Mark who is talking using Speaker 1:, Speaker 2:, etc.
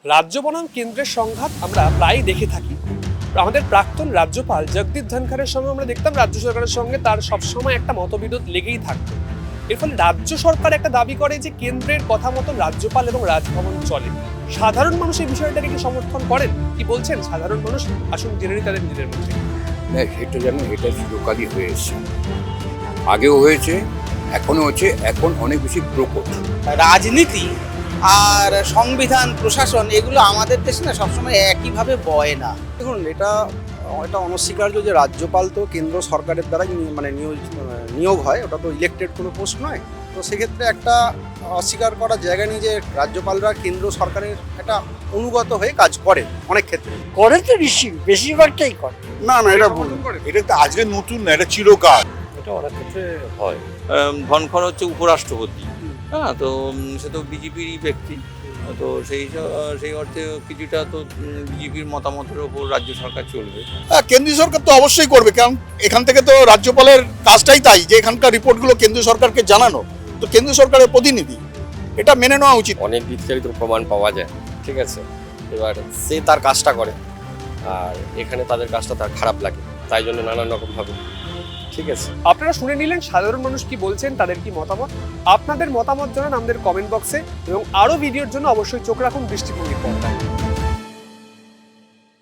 Speaker 1: রাজ্য বনাম কেন্দ্রের সংঘাত আমরা প্রায় দেখে থাকি। আমাদের প্রাক্তন রাজ্যপাল জগদীপ ধনখড়ের সঙ্গে আমরা দেখতাম রাজ্য সরকারের সঙ্গে তার সবসময় একটা মতবিরোধ লেগেই থাকতো। এর ফলে রাজ্য সরকার একটা দাবি করে যে কেন্দ্রের কথা মতো রাজ্যপাল এবং রাজভবন চলে। সাধারণ মানুষ এই বিষয়টাকে কি সমর্থন করেন? কি বলছেন সাধারণ মানুষ? আসুন জেনে নিই তাদের নিজেদের মধ্যে।
Speaker 2: না, এটা যেন এটা চিরকালই হয়ে এসছে, আগেও হয়েছে, এখনো হচ্ছে, এখন অনেক বেশি প্রকট।
Speaker 3: রাজনীতি আর সংবিধান প্রশাসন এগুলো আমাদের দেশে না সবসময় একইভাবে বয় না।
Speaker 4: দেখুন, এটা অনস্বীকার্য যে রাজ্যপাল তো কেন্দ্র সরকারের দ্বারাই নিয়োগ হয়, ওটা তো ইলেক্টেড কোনো পোস্ট নয়। তো সেক্ষেত্রে একটা অস্বীকার করার জায়গা নেই যে রাজ্যপালরা কেন্দ্র সরকারের একটা অনুগত হয়ে কাজ করে অনেক ক্ষেত্রে।
Speaker 5: করে তো নিশ্চয়ই, বেশিরভাগটাই করে।
Speaker 4: না না, এটা ভুল।
Speaker 6: এটা তো আজকে নতুন না, এটা চিরকাল।
Speaker 7: এটা অনেক ক্ষেত্রে হয়। ধনখড় হচ্ছে উপরাষ্ট্রপতি, হ্যাঁ, তো সে তো বিজেপিরই ব্যক্তি, তো সেই অর্থে কিছুটা তো বিজেপির মতামতের ওপর রাজ্য সরকার চলবে।
Speaker 6: কেন্দ্রীয় সরকার তো অবশ্যই করবে, কারণ এখান থেকে তো রাজ্যপালের কাজটাই তাই যে এখানকার রিপোর্টগুলো কেন্দ্রীয় সরকারকে জানানো, তো কেন্দ্রীয় সরকারের প্রতিনিধি, এটা মেনে নেওয়া উচিত।
Speaker 8: অনেক বিস্তারিত প্রমাণ পাওয়া যায়, ঠিক আছে। এবার সে তার কাজটা করে, আর এখানে তাদের কাজটা তার খারাপ লাগে, তাই জন্য নানান রকম ভাবে, ঠিক আছে।
Speaker 1: আপনারা শুনে নিলেন সাধারণ মানুষ কি বলছেন, তাদের কি মতামত। আপনাদের মতামত জানান আমাদের কমেন্ট বক্সে এবং আরো ভিডিওর জন্য অবশ্যই চোখ রাখুন দৃষ্টিভঙ্গির পর্দায়।